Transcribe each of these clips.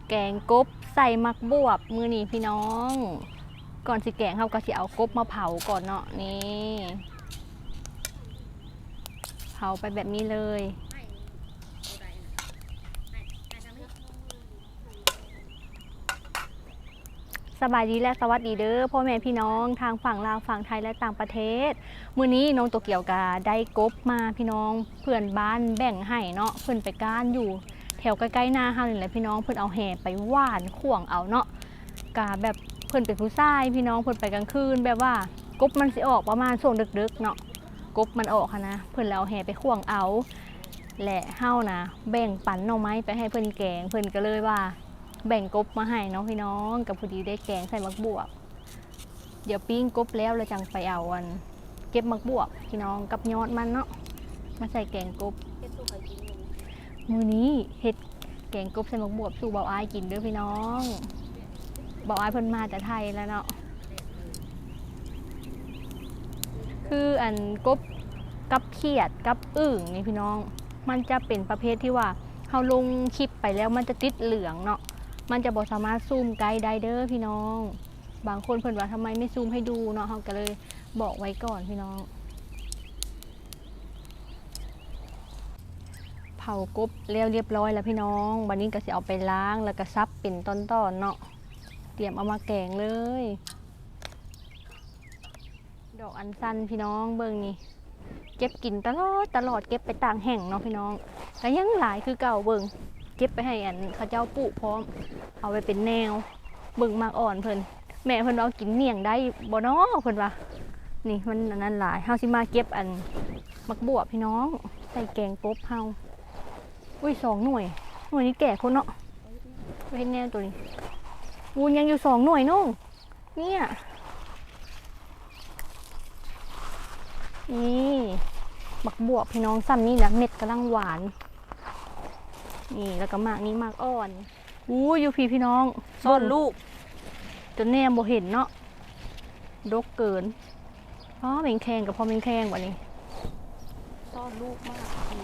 แกงกบใส่มักบวบมือนี้พี่น้องก่อนสิแกงเขาก็สิเอากบมาเผาก่อนเนาะนี่เผาไปแบบนี้เลยสบายดีและสวัสดีเด้อพ่อแม่พี่น้องทางฝั่งลาวฝั่งไทยและต่างประเทศมื้อนี้น้องโตเกียวกาได้กบมาพี่น้องเพื่อนบ้านแบ่งให้เนาะเพื่อนไปก้านอยู่แถวใกล้ๆหน้าเฮานี่แหละพี่น้องเพื่อนเอาแห่ไปหว่านข่วงเอาเนาะกาแบบเพื่อนเป็นผู้ชายพี่น้องเพื่อนไปกลางคืนแบบว่ากบมันสิออกประมาณช่วงดึกๆเนาะกบมันออกนะเพื่อนแล้วเอาแห่ไปข่วงเอาและเฮานะแบ่งปันหน่อไม้ไปให้เพื่อนแกงเพื่อนก็เลยว่าแบ่งกบมาให้น้องพี่น้องกับพอดีได้แกงใส่มักบวบเดี๋ยวปิ้งกบแล้วเราจังไปเอาอันเก็บมักบวบพี่น้องกับยอดมันเนาะมาใส่แกงกบมื้อนี้เฮ็ดแกงกบใส่มักบวบสู่เบาอ้ายกินเด้อพี่น้องเบาอ้ายเพิ่นมาแต่ไทยแล้วเนาะคืออันกบกับเขียดกับอึ่งนี่พี่น้องมันจะเป็นประเภทที่ว่าเฮาลงคลิปไปแล้วมันจะติดเหลืองเนาะมันจะบ่สามารถซูมไกลได้เด้อพี่น้องบางคนเพิ่นว่าทำไมไม่ซูมให้ดูเนาะเฮาก็เลยบอกไว้ก่อนพี่น้องเผากบแล้วเรียบร้อยแล้วพี่น้องวันนี้ก็สิเอาไปล้างแล้วก็ซับเป็นตอนๆเนาะเตรียมเอามาแกงเลยดอกอัญชันพี่น้องเบิ่งนี่เก็บกินตลอดเก็บไปต่างแห่งเนาะพี่น้องก็ยังหลายคือเก่าเบิ่งเก็บไปให้อันเขาเจ้าปลูกพร้อมเอาไปเป็นแนวเบิ่งมากอ่อนเพิ่นแม่เพิ่นเอากินเมี่ยงได้บ่เนาะเพิ่นว่านี่มันอันนั้นหลายเฮาสิมาเก็บอันมักบวบพี่น้องใส่แกงกบเฮาอุ้ย2 หน่วยนี้แก่คนเนาะไปเฮ็ดแนวตัวนี้วูนยังอยู่2 หน่วยน้องเนี่ยนี่มักบวบพี่น้องซ้ำนี่แหละเม็ดกำลังหวานนี่แล้วก็มากนี้มากอ่อนอยู่พี่น้องซ่อนลูกจนแนมบ่เห็นเนาะดกเกินเมงแคงกับพอเมงแคงวันนี้ซ่อนลูกมาก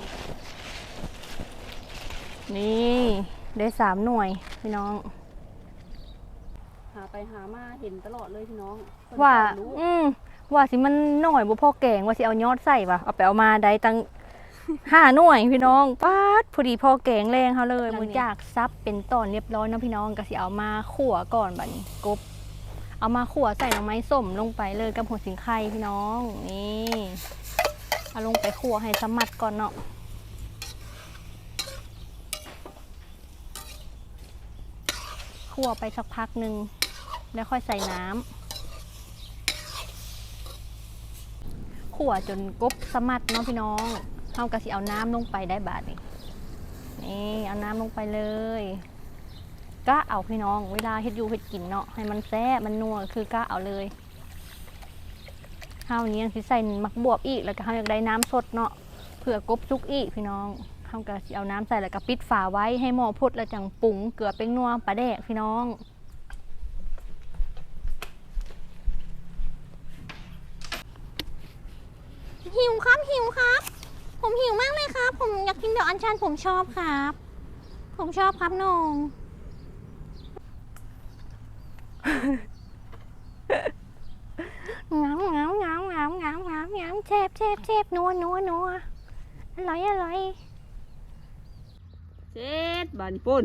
นี่ได้3 หน่วยพี่น้องหาไปหามาเห็นตลอดเลยพี่น้องว่าสิมันหน่อยบ่พอแกงว่าสิเอายอดใส่ป่ะเอาไปเอามาได้ตั้ง5 หน่วยพี่น้องป๊าดพอดีพอแกงแรงเขาเลยมือจากซับเป็นตอนเรียบร้อยนะพี่น้องก็สิเอามาขั่วก่อนบัดนี้กบเอามาขั่วใส่หน่อไม้ส้มลงไปเลยกับหัวสิงไข่พี่น้องนี่เอาลงไปขั่วให้สมัดก่อนเนาะขั่วไปสักพักหนึ่งแล้วค่อยใส่น้ำขั่วจนกบสมัดเนาะพี่น้องเฮาก็สิเอาน้ำลงไปได้บาดนี่เอาน้ำลงไปเลยก็เอาพี่น้องเวลาเฮ็ดอยู่เฮ็ดกินเนาะให้มันแซ่บมันนัวคือก็เอาเลยเฮานี้สิใส่มักบวบอีกแล้วก็เฮาอยากได้น้ำสดเนาะเผื่อกบสุกอีกพี่น้องเฮาก็สิเอาน้ำใส่แล้วก็ปิดฝาไว้ให้หม้อพุดแล้วจังปรุงเกลือเป็นนัวปลาแดกพี่น้องหิวครับผมหิวมากเลยครับผมอยากกินดอกอัญชันผมชอบครับน้องงามแซ่บนัวอร่อยเจ็ดบานปุ่น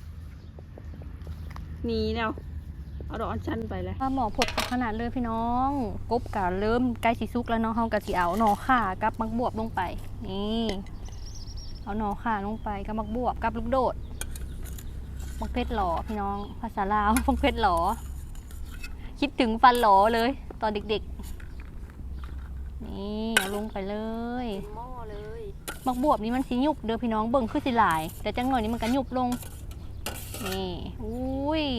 หนีแล้วเอาดอกอัญชันไปเลยหมอผดขนาดเลยพี่น้องกบกะเริ่มใกล้สิสุกแล้วเนาะเฮากะสิเอาหน่อข่ากับมักบวบลงไปนี่เอาหน่อข่าลงไปกับมักบวบกับลูกโดดมักเพชรหล่อพี่น้องภาษาลาวมักเพชรหล่อคิดถึงฟันหล่อเลยตอนเด็กๆนี่เอาลงไปเลยหม้อเลยมักบวบนี่มันสิยุบเด้อพี่น้องเบิ่งคือสิหลายแต่จังหน่อยนี้มันก็ยุบลงนี่อุ้ย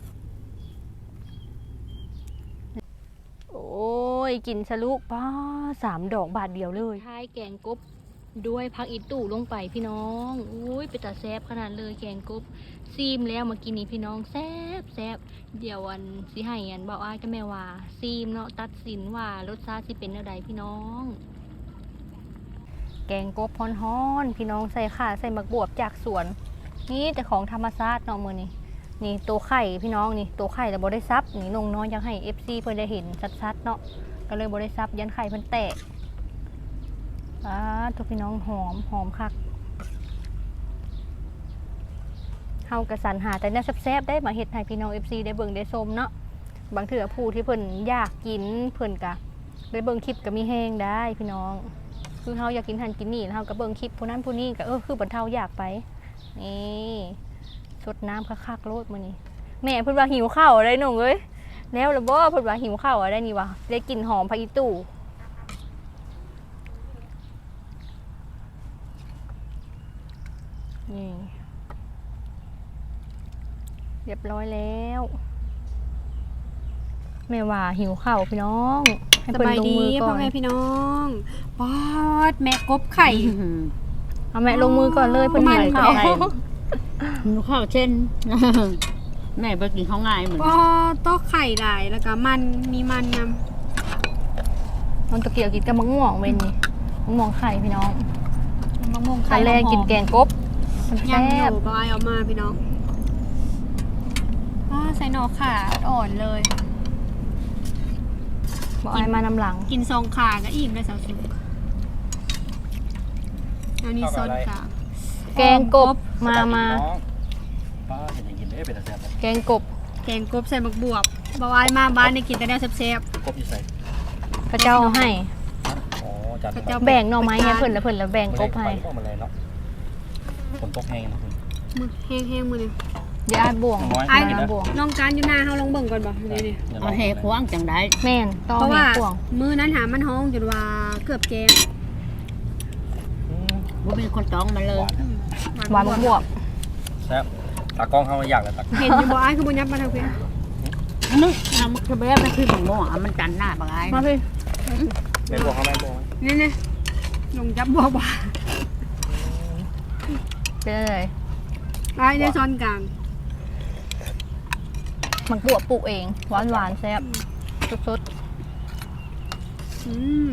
โอ้ยกินสลุกป้า3 ดอกบาทเดียวเลยท้ายแกงกบด้วยผักอีตู่ลงไปพี่น้องอุ้ยเป็นตาแซ่บขนาดเลยแกงกบซีมแล้วมากินนี่พี่น้องแซ่บเดี๋ยววันสิให้อันบอกอ้ายกับแม่ว่าซีมเนาะตัดสินว่ารสชาติสิเป็นอะไรพี่น้องแกงกบฮ้อนๆพี่น้องใส่ข่าใส่มักบวบจากสวนนี่แต่ของธรรมชาติเนาะมื้อนี้นี่ตัวไข่พี่น้องนี่ตัวไข่แต่บ่ได้ซับนี่นงน้อยยังให้ FC เพิ่นได้เห็นชัดๆเนาะก็เลยบ่ได้ซับยันไข่เพิ่นแตกทุกพี่น้องหอมคักเฮากระสรรหาแต่เนี่ยแซ่บๆได้มาเฮ็ดให้พี่น้อง FC ได้เบิ่งได้ชมเนาะบางเทื่อผู้ที่เพิ่นอยากกินเพิ่นก็ได้เบิ่งคลิปก็มีแฮงได้พี่น้องคือเฮาอยากกินหันกินนี่เฮาก็เบิ่งคลิปผู้นั้นผู้นี้ก็คือบรรเทาอยากไปนี่สดน้ำคักๆโลดมื้อนี้แม่เพิ่นว่าหิวข้าวได้น้องเอ้ยแล้วล่ะบ่เพิ่นว่าหิวข้าวได้นี่วะได้กลิ่นหอมผักอีตู่นี่เรียบร้อยแล้วแม่ว่าหิวข้าวพี่น้องให้สเพิ่นบายลงดีมือก่พ่ออน แม่พี่น้องป๊อดแม่กบไข่เอาแม่ลงมือก่อนเลยเพิ่นหิวข้าวหนูข้าวเช่น แม่ไปกินข้าวง่ายเหมือนป๊อดโต๊ะไข่หลายแล้วก็มันมีมันนมันตะเกียบกินกับมะม่วงเว้นนี่มะม่วงไข่พี่น้องำมะม่วงตไข่อนแรกกินแกงกบมันยัแซ่งอบ ยู่บอยเอามาพี่น้องใส่หน่อขาอ่อนเลยบอกไอ้มานำหลังกินซองขาก็อิ่มเลยสาวสุกเอานี่ซดค่ะแกงกบมาป้าเห็นอย่างกินได้เป็นอะไรแบบแกงกบแกงกบใส่หมักบวบบอยมาบ้านได้กินแต่แนวแซ่บกบอีใส่พระเจ้าเอาให้อ๋อจัดพระเจ้าแบ่งหน่อไม้ให้เพิ่นแล้วเพิ่นแล้วแบ่งกบให้พวกมันเลยเนาะฝนตกแห้งนะคุณมือแห้งๆมือนี่เดี๋ยวอาดบ่วงน้อยไอ้นะบ่วงน้องการอยู่หน้าเฮาลองเบิ่งก่อนบ่นี่เอาแห่ควางจังได้แม่นต้องเพราะแม่ว่าบ่วงมือนั้นหามันห้องจนว่าเกือบแกงว่าเป็นคนจ้องมาเลยหวานบวกแซ่บตากล้องเข้ามาอยากเลยตักเห็นอยู่บ่อ้ายคือบ่ยับมาทางเพิ่นนึกเอามันคือแบบมันคือหมูหม้อมันจันหน้าบางไอ้มาพี่แม่บอกเขาแม่บอกนี่ลงจับบ่บ่เป็นอะไรอ้ายได้ซ้อนกลางมันบวกปลูกเองหวานแซ่บสดอืม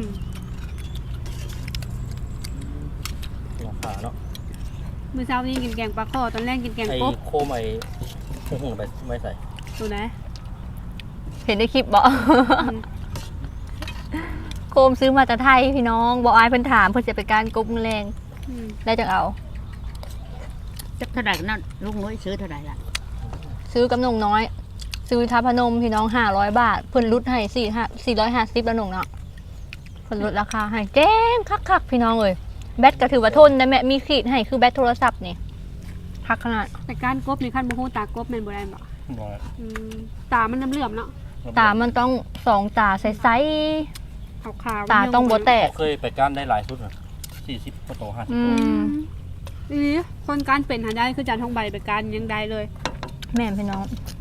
หัวขาเนาะมื้อเช้านี้กินแกงปลาข้อตอนแรกกินแกงไอ้กบโคมไอ้หุ่งไปไม่ใส่ตัวไหนๆเห็นในคลิปบ่อืมโคมซื้อมาจากไทยพี่น้องบอกอายเพิ่นถามเพิ่นจะไปการกบมือแรงอืมได้จังเอาจะเท่าไหร่นั่นลูกน้อยซื้อเท่าไหร่ล่ะซื้อกำนงน้อย ซื้อทัพพนมพี่น้อง500 บาทเพิ่นลดให้450แล้วหนงเนาะเพิ่นลดราคาให้แจ้งคักๆพี่น้องเอ้ยแบตก็ถือว่าทนได้แม่มีขีดให้คือแบตโทรศัพท์นี่คักขนาดแต่การกบนี่คันบ่ฮู้ตากบแม่นบ่ได้บ่บอกอืมตามันน้ำเหลือมเนาะตามันต้องสองตาใสขาวๆตาต้องบ่แตกเคยไปก้านได้หลายชุดนะ40กว่าโต50 อืโตมนี่คนการเป็นหาได้คือจานทองใบไปการยังได้เลยแม่นพี่น้อง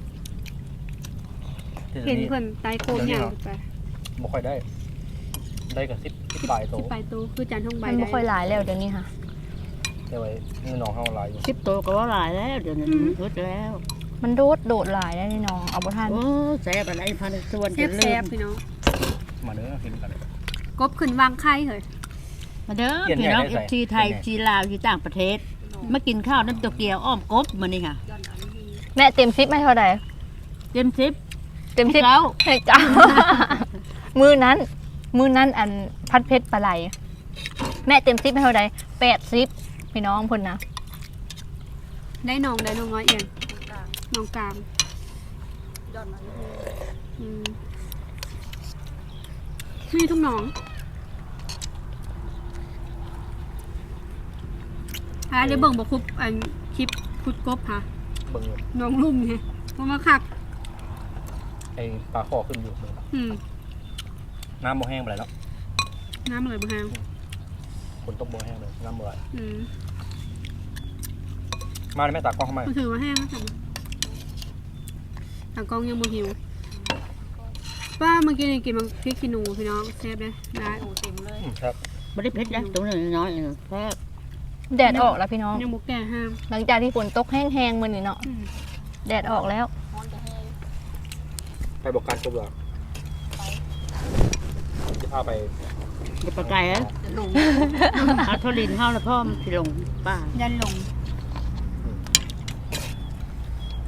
เห็นเพิ่นไตโคมอย่างไปไม่ค่อยได้ ได้กับ10ปลายโตที่ไปตู้คือจานทองใบมันได้ไม่ค่อยหลายแล้วเดี๋ยวนี้ค่ะแต่ไว้เงินน้องเฮาหลายอยู่ 10 ตัวก็ว่าหลายแล้วเดี๋ยวนี้ลดแล้วมันโดดหลายได้นี่น้องเอาบ่ทันโอ้แซ่บอะไรพันส่วนจะลืแซ่บมๆพี่น้องมาเด้อกินกันเลยกบขึ้นวางไข่เหรอมาเด้อพี่น้องเอฟซีไทยจีลาวที่ต่างประเทศมากินข้าวน้ำตัวเกียวอ้อมกบมานี่ค่ะแม่เต็ม10ให้เท่าใดเต็มซิปเต็ม10 แล้วให้เจ้า มือนั้นอันพัดเพชรปลาไหลแม่เต็ม10ให้เท่าใด80พี่น้องเพิ่นนะได้น้องน้อยเองน้องกลางอืมมีทุกน้องได้เบิ่งบ่ครบอันคลิปคุดกบค่ะเบิ่งอยู่น้องลุ่มไงเพราะมาคักไอ้ปลาคอขึ้นอยู่อืมน้ำบ่แห้งไปแล้วน้ำเลยบ่ฮางฝนตกบ่แห้งเลยน้ำบ่ไหลอืมมาเลยแม่ตากล้องเข้ามามันถือว่าแห้งแล้วค่ะทางกล้องยังบ่หิวป้าเมื่อกี้นี่กินมันพริกขี้หนูพี่น้องแซ่บเลยได้ครับไม่ได้เผ็ดนะตัวน้อยๆแซ่บแดดออกแล้วพี่น้องยังบ่แก่ห้ามหลังจากที่ฝนตกแห้งๆมื้อนี้เนาะอืมแดดออกแล้วไปบอกการจบหรอจะพาไปจะปลาไก่อะเอาทอลินเข้าแล้วพ่อมนสิลงป้ายันลง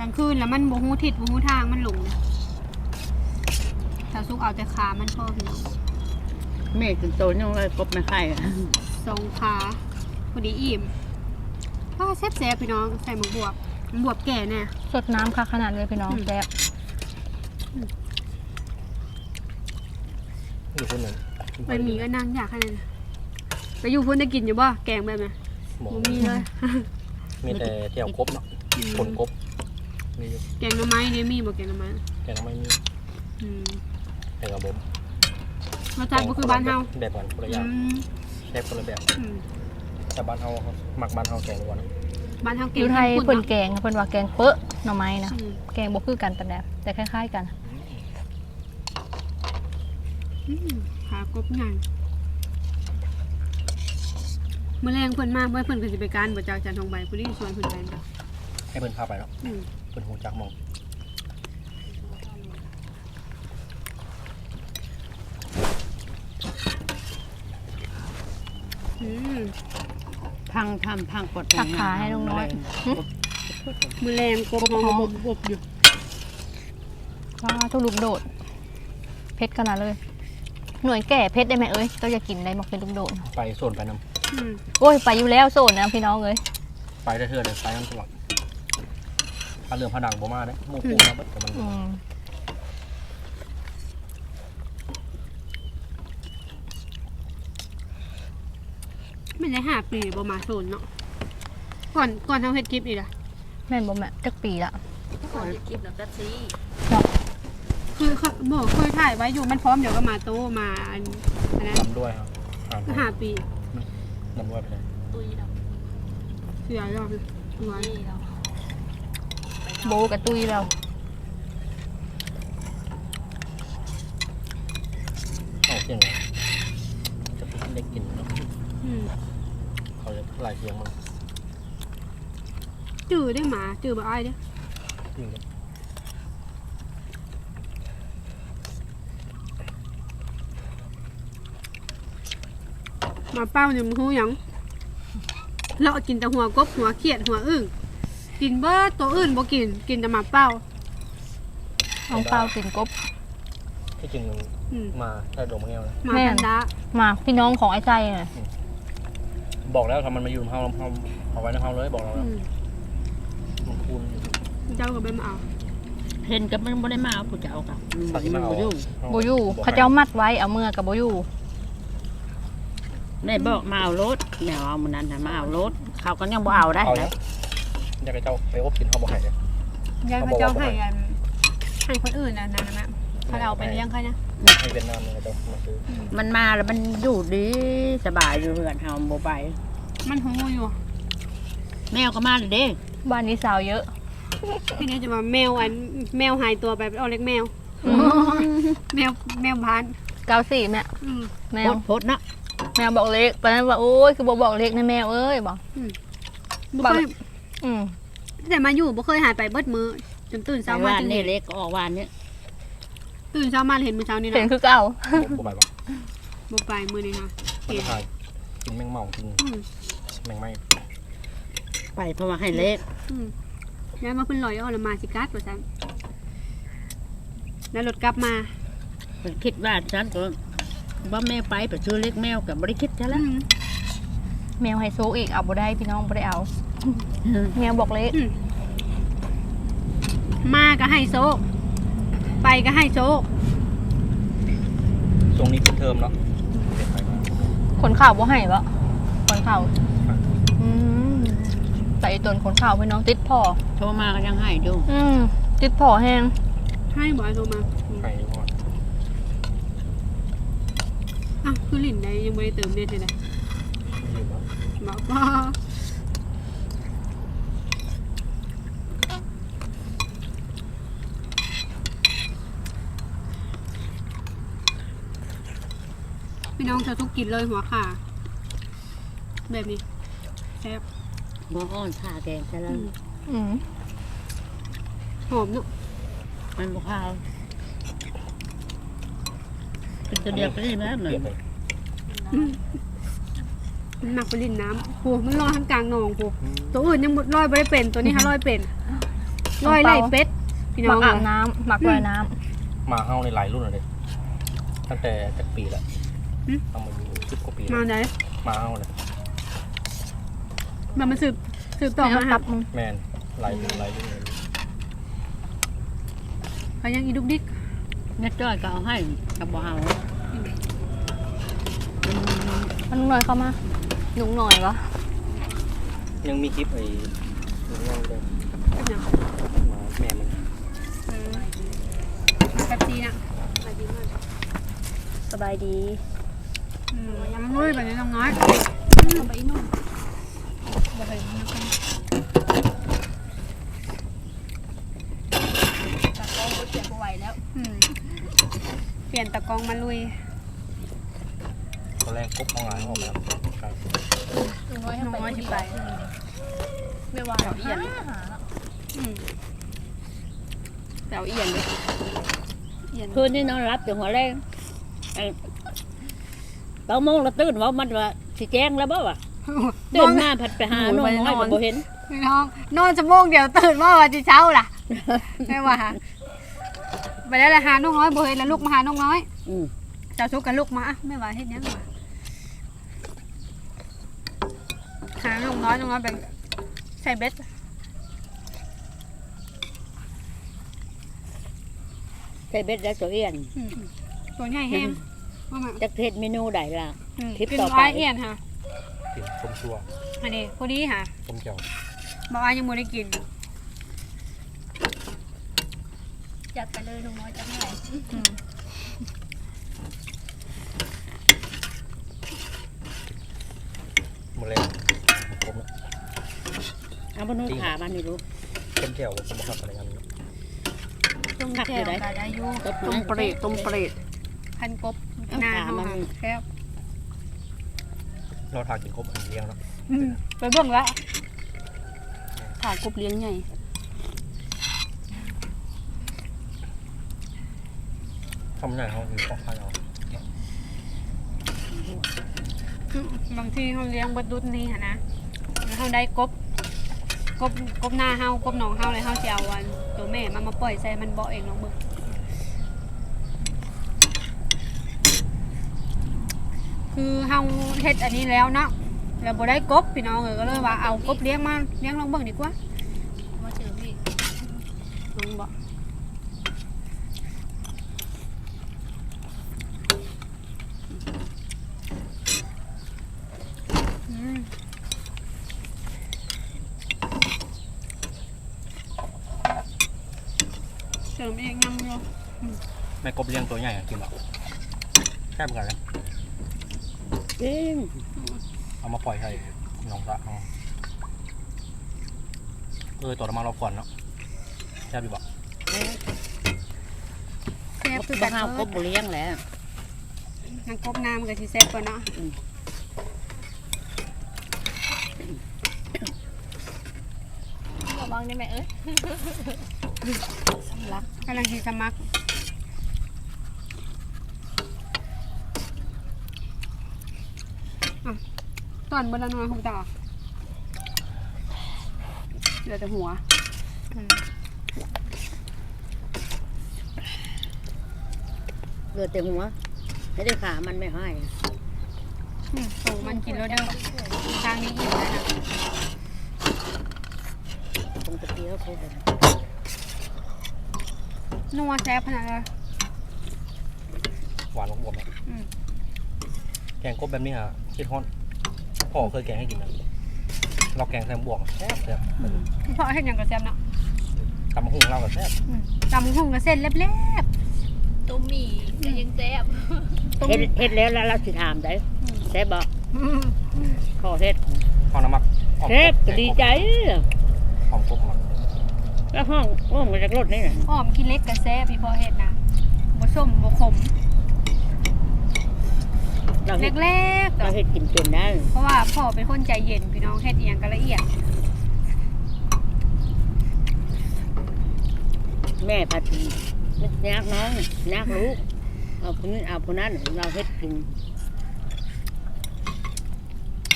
ลางคืนแล้วมันบ่ฮู้ทิศบ่ฮู้ทางมันหลงนะถ้าสุกเอาแต่ขามันพอพี่น้องแม่กินโตยังเลยกบไม่ไข่อะสองขาพอดีอิ่มก็แซ่บๆพี่น้องใส่หมกบวบบวบแก่แน่สดน้ำค่ะขนาดเลยพี่น้องแซ่บอยู่คนหนึ่งไปมีก็นั่งอยากขนาดนั้นไปอยู่พุ่นได้กินอยู่บ่แกงแบบนี้หมอบ่มีเลยมีแต่เที่ยวกบเนาะคนกบมีอยู่แกงหน่อไม้นี่มีบ่แกงหน่อไม้แต่เราไม่มีอืมแต่กับผมรสชาติบ่คือบ้านเฮาแบบกันคนละอย่างอืมแชฟคนละแบบอืมแต่บ้านเฮาหมักบ้านเฮาแกงล้วนบ้านเฮาอเก่งยู่ไทยข้มข้เพิ่นเนาะแกงเพิ่นว่าแกงเป๊ะหน่อไม้นะอืมแกงบ่คือกันปานใดแต่คล้ายๆกันขากบใหญ่มื้อแรงเพิ่นมาเพิ่นก็สิไปการบ่จากจันทองใบผู้นี้ชวนเพิ่นไปเนาะให้เพิ่นพาไปเนาะอืมเพิ่นหูจักมองอืมพังทำพังกดตักขาให้น้อยๆหึมื้อแรงกบหอมบบอยู่ว้าทุกลูกโดดเผ็ดขนาดเลย หน่วยแก่เผ็ดได้ไหมเอ้ยเราจะกินได้บอกเป็นลูกโดดไปโซนไปน้อืมโอ้ยไปอยู่แล้วโซนนะพี่น้องเอ้ยำไปได้เทื่อเลยไปน้ำตลอดถ้าเรื่องผนังบ่มาเด้หมู่ปูมาเบิดแต่มันอืมไม่ได้5 ปีบ่มาโซนเนาะก่อนทำเฮ็ดคลิปอีกล่ะแม่นบ่แม่จักปีละก่อนจะคลิปแล้วก็ซีคือเขาบอกเคยถ่ายไว้อยู่มันพร้อมเดี๋ยวก็มาโตมาอันนั้นนำด้วยครับ 5 ปีนำด้วยไปเลยตุยดอกเสียรอบเลยตัวนี่เราโบกับตุ้ยเราเอาเสียงเลยจะได้กินเนาะอืมเขาจะลายเสียงมันจื้อได้หมาจื้อบ่อายเด้อจริงเลยหมาเป้าเนี่ยมันฮู้หยังเลาะกินแต่หัวกบหัวเขียดหัวอึ่งกินเบิดตัวอื่นบ่กินแต่หมาเป้าน้องเปากินกบที่จริงอืมมาแค่ดมแก้วนะหมาแม่แพนด้ามาพี่น้องของไอ้ใจน่ะบอกแล้วทำมันมาอยู่ในห้องเอาไว้ในห้องเลยบอกเราอืแล้วมมันคูณอยู่เจ้าก็ไปมาเอาเห็นกับมันบ่ได้มาเอาผู้เจ้ากับมันบ่ยุ่งโบอยู่เขาเจ้ามัดไว้เอามือกับโบอยู่ได้บอกมาเอารถแนวเอามันนั้นน่ะมาเอารถเขาก็ยังบ่เอาได้เอาแล้แล้ว วอยากให้เจ้าไปอบกินเขาบอกให้เลยยายพระเจ้าให้อันให้คนอื่นนะนะเขาเอาไปเลี้ยงเขานะให้เวียดนามเลยเจ้ามาซื้อมันมาแล้วมันอยู่ดีสบายอยู่เรือนเฮาบ่ไปมันหูอยู่แมวก็มาเลยเด้บ้านนี้สาวเยอะพี่นี่จะมาแมวแมวหายตัวไปเอาเล็กแมวแมวพาน 94แม่อืมแมโพวดโพดนะแมวบอกเล็กตอนนั้นว่าโอ้ยคือบอกเล็กนะแมวเอ้ยบอกบ่เคยอืมแต่มาอยู่บ่เคยหายไปเบิดมือจนตื่นไปเช้ามาว่านจึงนี่เห็นเล็กก็ออกวานนี้ตื่นเช้ามาเห็นมื้อเช้านี้เห็นนะคือเก่าบ่ไปบอกบ่ไปมื้อนี้ค่ะมันเห็นจะทายกินแมงเม่ากินอืมแมงไหม้ไปเพราะว่าให้เล็กอืมแล้วมาเพิ่นลอยเอาละมาสิกัดว่าซั่นแล้วรถกลับมามันคิดว่าฉันก็ว่าแม่ไปไปซื้อเล็กแมวกับบริคิดซะแล้วแมวไฮโซอีกเอาบ่ได้พี่น้องบ่ได้เอา แมวบอกเล็กมาก็ให้โซกไปก็ให้โซกช่วงนี้ปิดเทอมเนาะเด็กไปมาขนข่าวบ่ให้บ่ขนข่าวอืมแต่อีตนขนข่าวพี่น้องติดพ่อโทรมาก็ยังให้ดูติดพ่อแห้งให้บ่ให้โทรมาไปอยู่ก่อนอ่ะคือลิ้นได้ยังบ่ได้เติมเน็ตเลยนะอยู่เนาะบอกว่าพี่น้องจะทุกกินเลยหัวขาแบบนี้แซ่บบ่อ้อนผ่าแกงซะแล้วอืมหอมเนาะมันบ่ข้าวเป็นตัวเดียวก็ได้ไหมเหมือเปลี่ยนนเลยมันหนักไปลิ้นน้ำโหมันลอยทั้งกลางหนองโหตัวอื่นยังลอยไม่ได้เป็นตัวนี้ค่ะลอยเป็นร้อยไล่เป็ดพี่หน้มัอก งอาบน้ำหมักลอยน้มาเฮาในหลายรุ่นเลยตั้งแต่จากปีแล้วเอามาอยู่10กว่าปีแล้วมาไหนมาเฮาเลยมันสืบำต่อมาตัหับบ มึงแมนหลายรุ่นเลยเขายังอีดุกดิกแม่จ้อยก็เอาให้กับบ่เอามันลุงหน่อยเข้ามาลุงหน่อยวะยังมีคลิปไอ้ลุงน้องด้วยเป็นหยังมาแม่มันมาแป๊บซีนะมาดีมากสบายดียังเฮ้ยแบบนี้น้องน้อยเอาไปอีกหน่อยบ่เคยมีคนตัดกล้องเสียบไหวแล้วเปลี่ยนตะกองมาลุยตอนแรกกบของหลานออกมาครับลุงน้อยให้น้องน้อยที่ไปไม่ว่าเอียนหาแต่เอาเอียนเลยเอียนคืนนี้นอนรับอยู่หัวแรงตอนโมงเราตื่นว่ามันว่าสิแจ้งแล้วบ่วะตื่นมาผัดไปหาน้องน้อยก็บ่เห็นพี่น้องนอนชั่วโมงเดียวตื่นมาวันที่เช้าล่ะไม่ว่าไปแล้วหาน้องน้อยบ่เห็นแล้วลูกมาหาน้องน้อย เจ้าชุกกับลูกมาอ่ะไม่ว่าเฮ็ดหยังวะหาน้องน้อยไปใส่เบ็ดใส่เบ็ดแล้วตัวเอียนตัวใหญ่แห้งว่ามาจักเทศเมนูใดล่ะ คลิปเป็นต่อไปวายเอียนค่ะกินส้มชัวอันนี้พอดีค่ะส้มแก้วบอกว่ายังไม่ได้กินจัดไปเลยลุงน้อยจะให้หมดเลยกบนะเอาบ่นู้นขามันนี่รู้ส้มแก้วส้มผักอะไรกันต้มผักแก้อยู่วไหนกาดายุต้มเปรตต้มเปรตพันกบหน้าเขาค่ะแคบเราทากินกบอันเลี้ยงเนาะไปเบิ่งละถ่ายกบเลี้ยงใหญ่ทำใหญ่เขามีปอกไข่เอาบางทีเขาเลี้ยงบดดุดนี่ค่ะนะแล้วเขาได้กบหน้าเฮากบหนองเฮาเลยเฮาจะเอาอันตัวแม่มาปล่อยใส่มันเบาะเองลองเบิ่งคือเฮาเฮ็ดอันนี้แล้วเนาะแล้วบ่ได้กบพี่น้องก็เลยว่าเอากบเลี้ยงมาเลี้ยงลองเบิ่งดีกว่ามาเจอพี่ลองบ่เสริมเองยังอยู่แม่กบเลี้ยงตัวใหญ่กินหรอแค่เหมือนกันเลยจริงเอามาปล่อยให้น้องละตัวน้ำมันเราก่อนเนาะแค่ดีบอกแซ่บคือบ่กันเฮาก็บ่เลี้ยงแหล้วนางกบน้ำกับที่แซ่บกว่าเนาะระวังได้ไหมเอ้ยสำลักกำลังที่สมักตอนบนละน้อยหูตาเหลือแต่หัวเหลือแต่หัวไม่ได้ขามันไม่ให้โตมันกินแล้วเด้อทางนี้อิ่มแล้วนะตรงตะเกียบเขาเลยนัวแซ่บขนาดเลยหวานของผมนะแกงกบแบบนี้ฮะคิดฮอนพ่อเคยแกงให้กินนะเราแกงแซมบวกแซ่บแซ่บเพราะเห็นอย่างกับแซ่บเนาะตำหุ่งเรากับแซ่บตำหุ่งกับเส้นเล็บต้มหมี่จะยังแซ่บเฮ็ดแล้วเราสิถามได้แซ่บบ่ๆขอเฮ็ดข้าวน้ำมักแซ่บก็ดีใจหอมกบมักแล้วห้องมาจากรถนี่น่ะอ้อมกินเล็กกับแซ่บพี่พ่อเห็ดนะบ่ส้มบ่ขมเราเฮ็ดเล็กๆเราเฮ็ดกินเป็นได้เพราะว่าพ่อเป็นคนใจเย็นพี่น้องเฮ็ดเอียงกันละเอียดแม่ผัดยากน้องยากลูกเอาคนนี้เอาคนนั้นเราเฮ็ดกิน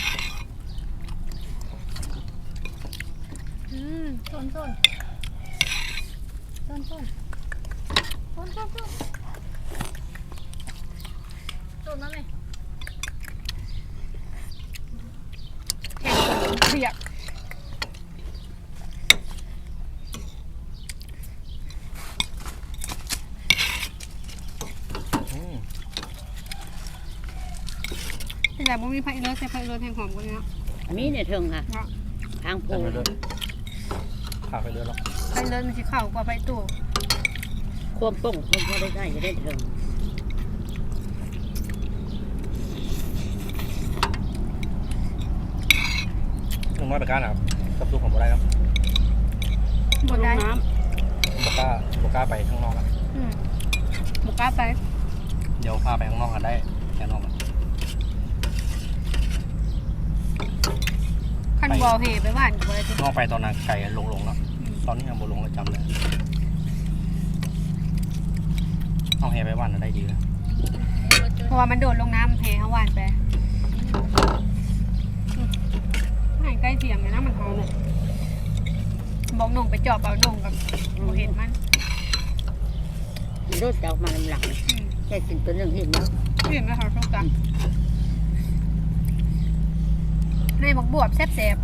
ส้นต้นมาไหมแข่งขนมเปียกอืมแต่บ่มีไผ่เลือดใส่ไผ่เลือดแห่งหอมกว่านี้เนาะมีในเทิงค่ะเนาะทางโพแต่ไปเรื่อยขาไปเรื่อยแล้วไผ่เลือดมันสิเข้ากว่าไผ่ตู้ควมป้งควมพอได้ใส่จะได้เทิงน้องน้อยไปก้านครับกับลูกผมบ่ได้ครับบ่ได้น้บ่กล้าไปข้างนอกครับบ่กล้าไปเดี๋ยวพาไปข้างนอกกันได้แค่นอกกันคันบ่เอาเหไปบ้านก็บ่ได้ตินอกไปตอนนั้นไก่ลงแล้วตอนนี้ยังบ่ลงแล้วจำเลยเอาแฮไปบ้านน่ะได้ดีเลยเพราะว่ามันโดดลงน้ำแห่เฮาหวานไปให้ใกล้เทียงเลยนะมันหอมเลยบอกน้องไปจอบเอาน้องกับบ่เห็นมันำรถจะออกมาลำหลังแค่กินตัวหนึ่งเห็นไหมเห็นไหมคะทุกท่านในบักบวบแซ่บ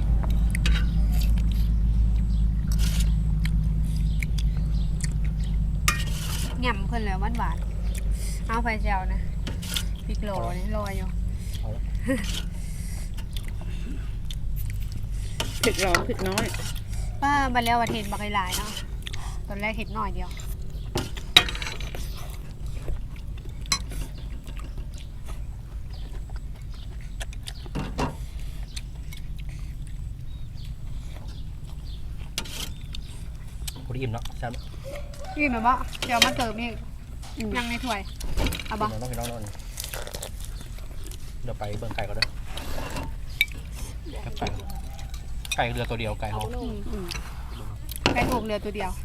ๆง่ำเพิ่นแล้วหวานๆเอาไฟแจวนะพริกโหลนี่ลอยอยู่พริกร้อนพริกน้อยป้าบันแล้ววันเห็นบักหลายๆเนาะตอนแรกเห็นหน่อยเดียวพอดีอิ่มเนาะใช่ไหมนี่แบบว่าเดี๋ยวมาเติมนี่ยังในถ้วยเอาบ่น้องพี่น้องเดี๋ยวไปเบิ่งไก่ก็ได้ครับไก่เรือตัวเดียวไก่หอมไก่ถูกเรือตัวเดียว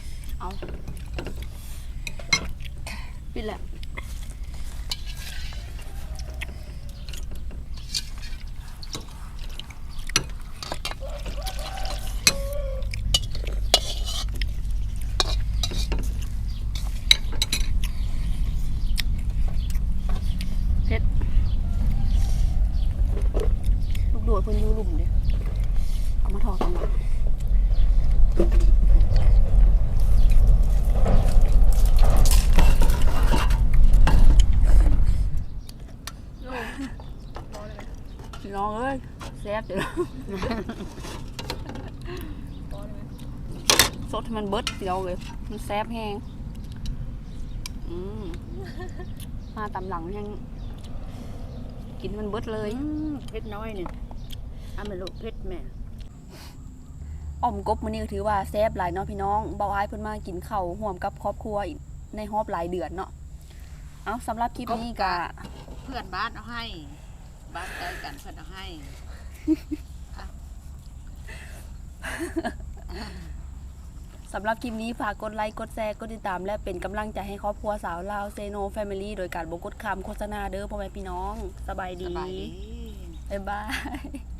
ปิดแหละลูกโดดเพิ่นอยู่หลุมเด้เอามาถอดกันมาพี่น้องเอ้ยแซ่บจังสดให้มันเบิดพี่น้องเลยมันแซ่บแฮงมาตำหลังยังกินมันเบิดเลยเผ็ดน้อยเนี่ยเอามาลูกเผ็ดแม่อ่อมกบมื้อนี้ก็ถือว่าแซ่บหลายเนาะพี่น้องเบาอ้ายเพิ่นมากินข้าวร่วมกับครอบครัวอีกในรอบหลายเดือนเนาะเอาสำหรับคลิปนี้ก็เพื่อนบ้านเอาให้ บ้านใกล้กันเพื่อนเอาให้สำหรับคลิปนี้ฝากกดไลค์กดแชร์กดติดตามและเป็นกำลังใจให้ครอบครัวสาวลาวเซโนแฟมิลี่โดยการบ่กดคำโฆษณาเด้อพ่อแม่พี่น้องสบายดีสบายดีบ๊ายบาย